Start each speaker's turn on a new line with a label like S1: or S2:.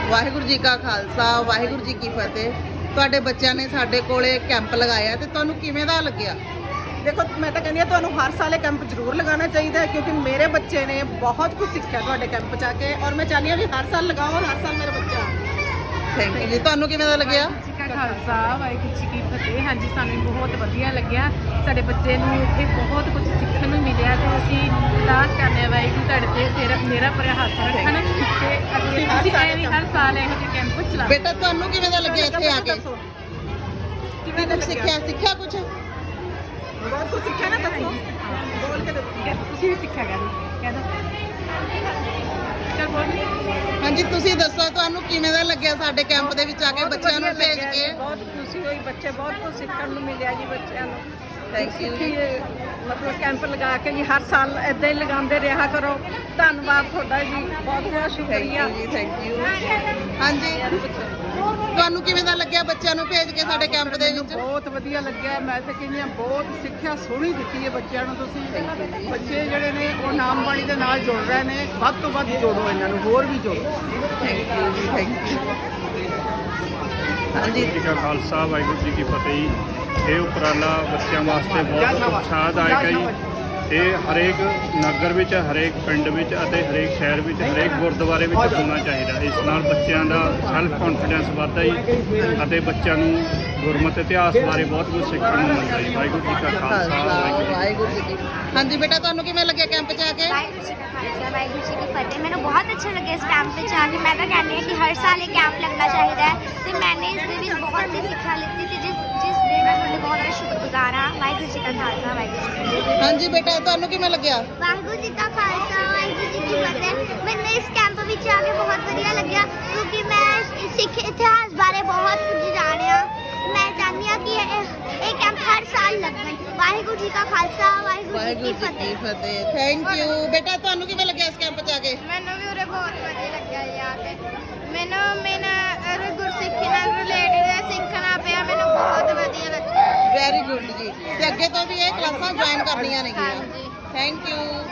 S1: ਵਾਹਿਗੁਰੂ ਜੀ ਕਾ ਖਾਲਸਾ ਵਾਹਿਗੁਰੂ ਜੀ ਕੀ ਫਤਿਹ। ਤੁਹਾਡੇ ਬੱਚਿਆਂ ਨੇ ਸਾਡੇ ਕੋਲੇ ਕੈਂਪ ਲਗਾਇਆ ਤੇ ਤੁਹਾਨੂੰ ਕਿਵੇਂ ਦਾ ਲੱਗਿਆ?
S2: देखो मैं तो कहनी ਤੁਹਾਨੂੰ ਹਰ ਸਾਲ ਇਹ ਕੈਂਪ ਜ਼ਰੂਰ ਲਗਾਉਣਾ ਚਾਹੀਦਾ ਹੈ ਕਿਉਂਕਿ ਮੇਰੇ ਬੱਚੇ ਨੇ ਬਹੁਤ ਕੁਝ ਸਿੱਖਿਆ ਤੁਹਾਡੇ ਕੈਂਪ 'ਚ ਆ ਕੇ ਔਰ ਮੈਂ ਚਾਹੁੰਦੀ ਹਾਂ ਵੀ ਹਰ ਸਾਲ ਲਗਾਓ ਔਰ ਹਰ ਸਾਲ ਮੇਰਾ ਬੱਚਾ।
S1: ਥੈਂਕ ਯੂ ਜੀ। ਤੁਹਾਨੂੰ ਕਿਵੇਂ ਦਾ ਲੱਗਿਆ?
S3: ਜੀ ਕਾ ਖਾਲਸਾ ਵਾਹਿਗੁਰੂ ਜੀ ਕੀ ਫਤਿਹ। ਹਾਂਜੀ ਸਾਨੂੰ ਬਹੁਤ ਵਧੀਆ ਲੱਗਿਆ। ਸਾਡੇ ਬੱਚੇ ਨੂੰ ਇੱਥੇ ਬਹੁਤ ਕੁਝ ਸਿੱਖਣ ਨੂੰ ਮਿਲਿਆ ਤੇ ਅਸੀਂ ਅਰਦਾਸ ਕਰਨੇ ਆ ਵਾਹਿਗੁਰੂ ਤੁਹਾਡੇ ਤੇ ਸਿਰਫ ਮੇਰਾ ਭਰਿਆ ਹੱਥ ਰੱਖਣ ਤੇ ਅੱਗੇ ਅਸੀਂ ਐਵੇਂ ਹਰ ਸਾਲ ਇਹੋ ਜਿਹੇ ਕੈਂਪ ਚਲਾਓ।
S1: ਬੇਟਾ ਤੁਹਾਨੂੰ ਕਿਵੇਂ ਦਾ ਲੱਗਿਆ ਇੱਥੇ ਆ ਕੇ?
S2: ਕਿਵੇਂ ਦਾ
S1: ਸਿੱਖਿਆ ਕੁਝ?
S2: ਬਹੁਤ ਕੁਝ ਸਿੱਖਿਆ ਨਾ, ਦੱਸੋ ਬੋਲ ਕੇ ਦੱਸੋ।
S3: ਤੁਸੀਂ ਵੀ ਸਿੱਖਿਆ ਕਹਿ ਦੋ ਚਲ ਬੋਲ।
S1: ਹਾਂਜੀ ਤੁਸੀਂ ਦੱਸੋ ਤੁਹਾਨੂੰ ਕਿਵੇਂ ਦਾ ਲੱਗਿਆ ਸਾਡੇ ਕੈਂਪ ਦੇ ਵਿੱਚ ਆ ਕੇ ਬੱਚਿਆਂ ਨੂੰ ਭੇਜ ਕੇ?
S2: ਬਹੁਤ ਖੁਸ਼ੀ ਹੋਈ, ਬੱਚੇ ਬਹੁਤ ਕੁਝ ਸਿੱਖਣ ਨੂੰ ਮਿਲਿਆ ਜੀ ਬੱਚਿਆਂ ਨੂੰ।
S1: ਥੈਂਕ ਯੂ ਜੀ।
S2: ਮਤਲਬ ਕੈਂਪ ਲਗਾ ਕੇ ਜੀ ਹਰ ਸਾਲ ਇਦਾਂ ਹੀ ਲਗਾਉਂਦੇ ਰਿਹਾ ਕਰੋ। ਧੰਨਵਾਦ ਤੁਹਾਡਾ ਜੀ, ਬਹੁਤ ਬਹੁਤ ਸ਼ੁਕਰੀਆ
S1: ਜੀ। Thank you. ਹਾਂਜੀ ਤੁਹਾਨੂੰ ਕਿਵੇਂ ਦਾ ਲੱਗਿਆ ਬੱਚਿਆਂ ਨੂੰ ਭੇਜ ਕੇ ਸਾਡੇ ਕੈਂਪ ਦੇ ਵਿੱਚ?
S4: ਬਹੁਤ ਵਧੀਆ ਲੱਗਿਆ। ਮੈਂ ਤਾਂ ਕਹਿੰਦੀ ਹਾਂ ਬਹੁਤ ਸਿੱਖਿਆ ਸੋਹਣੀ ਦਿੱਤੀ ਹੈ ਬੱਚਿਆਂ ਨੂੰ ਤੁਸੀਂ। ਬੱਚੇ ਜਿਹੜੇ ਨੇ ਉਹ ਨਾਮ ਬਾਣੀ ਦੇ ਨਾਲ ਜੁੜ ਰਹੇ ਨੇ, ਵੱਧ ਤੋਂ ਵੱਧ ਜੋੜੋ ਇਹਨਾਂ ਨੂੰ, ਹੋਰ ਵੀ ਜੋੜੋ।
S1: ਥੈਂਕ ਯੂ ਜੀ। Thank you. ਹਾਂਜੀ
S5: ਜੀ ਕਾ ਖਾਲਸਾ ਵਾਹਿਗੁਰੂ ਜੀ ਕੀ ਫਤਿਹ ਜੀ। ਇਹ ਉਪਰਾਲਾ ਬੱਚਿਆਂ ਵਾਸਤੇ ਬਹੁਤ ਉਤਸ਼ਾਹਦਾਇਕ ਹੈ ਜੀ। ਇਹ ਹਰੇਕ ਨਗਰ ਵਿੱਚ, ਹਰੇਕ ਪਿੰਡ ਵਿੱਚ ਅਤੇ ਹਰੇਕ ਸ਼ਹਿਰ ਵਿੱਚ, ਹਰੇਕ ਗੁਰਦੁਆਰੇ ਵਿੱਚ ਹੋਣਾ ਚਾਹੀਦਾ। ਇਸ ਨਾਲ ਬੱਚਿਆਂ ਦਾ ਸੈਲਫ ਕੌਨਫੀਡੈਂਸ ਵੱਧਦਾ ਜੀ ਅਤੇ ਬੱਚਿਆਂ ਨੂੰ ਗੁਰਮਤਿ ਇਤਿਹਾਸ ਬਾਰੇ ਬਹੁਤ ਕੁਝ ਸਿੱਖਣ ਨੂੰ ਮਿਲਦਾ ਜੀ। ਵਾਹਿਗੁਰੂ ਜੀ ਕਾ ਖਾਲਸਾ
S1: ਵਾਹਿਗੁਰੂ ਜੀ ਕੀ। ਹਾਂਜੀ ਬੇਟਾ ਤੁਹਾਨੂੰ ਕਿਵੇਂ ਲੱਗਿਆ ਕੈਂਪ 'ਚ ਆ ਕੇ?
S6: ਵਾਹਿਗੁਰੂ ਜੀ ਕਾ ਖਾਲਸਾ ਵਾਹਿਗੁਰੂ ਜੀ ਕੀ ਫਤਿਹ। ਮੈਨੂੰ ਬਹੁਤ ਅੱਛਾ ਲੱਗਿਆ ਇਸ ਕੈਂਪ ਵਿੱਚ ਆ ਕੇ। ਮੈਂ ਤਾਂ ਕਹਿੰਦੀ ਹਾਂ ਕਿ ਹਰ ਸਾਲ ਇਹ ਕੈਂਪ ਲੱਗਣਾ ਚਾਹੀਦਾ ਹੈ ਤੇ ਮੈंने ਇਸ ਦੇ ਵਿੱਚ ਬਹੁਤ ਸੀ ਸਿੱਖਿਆ ਲਿੱਤੀ ਤੇ ਜਿਸ ਲਈ ਮੈਂ ਤੁਹਾਡੇ ਬਹੁਤ ਜ਼ਿਆਦਾ ਸ਼ੁਕਰਗੁਜ਼ਾਰ ਹਾਂ। ਵਾਹਿਗੁਰੂ ਜੀ ਕਾ ਖਾਲਸਾ ਵਾਹਿਗੁਰੂ ਜੀ ਕੀ ਫਤਿਹ।
S1: ਹਾਂਜੀ ਬੇਟਾ ਤੁਹਾਨੂੰ ਕਿਵੇਂ ਲੱਗਿਆ?
S6: ਵਾਹਿਗੁਰੂ ਜੀ ਕਾ ਖਾਲਸਾ ਵਾਹਿਗੁਰੂ ਜੀ ਕੀ ਫਤਿਹ। ਮੈਨੂੰ ਇਸ ਕੈਂਪ ਵਿੱਚ ਆ ਕੇ ਬਹੁਤ ਵਧੀਆ ਲੱਗਿਆ ਕਿਉਂਕਿ ਮੈਂ ਸਿੱਖ ਇਤਿਹਾਸ ਬਾਰੇ ਬਹੁਤ ਕੁਝ ਜਾਣਿਆ। ਮੈਂ ਚਾਹੁੰਦੀ ਹਾਂ ਕਿ ਇਹ ਕੈਂਪ ਹਰ ਸਾਲ ਲੱਗਣ। ਵਾਹਿਗੁਰੂ ਜੀ ਕਾ ਖਾਲਸਾ ਵਾਹਿਗੁਰੂ ਜੀ ਕੀ ਫਤਿਹ।
S1: Thank you. ਬੇਟਾ ਤੁਹਾਨੂੰ ਕਿਵੇਂ ਲੱਗਿਆ ਇਸ ਕੈਂਪ 'ਚ ਆ ਕੇ?
S6: ਮੈਨੂੰ ਵੀ ਉਰੇ ਬਹੁਤ ਵਧੀਆ ਲੱਗਿਆ ਯਾਰ ਤੇ ਮੈਨੂੰ ਗੁਰਸਿੱਖੀ ਨਾਲ ਰਿਲੇਟਡ ਸਿੱਖਣਾ ਪਿਆ। ਮੈਨੂੰ ਬਹੁਤ ਵਧੀਆ ਲੱਗਾ।
S1: ਵੈਰੀ ਗੁੱਡ ਜੀ। ਤੇ ਅੱਗੇ ਤੋਂ ਵੀ ਇਹ ਕਲਾਸਾਂ ਜੁਆਇਨ ਕਰਨੀਆਂ ਨੇ।
S6: ਹਾਂਜੀ।
S1: Thank you.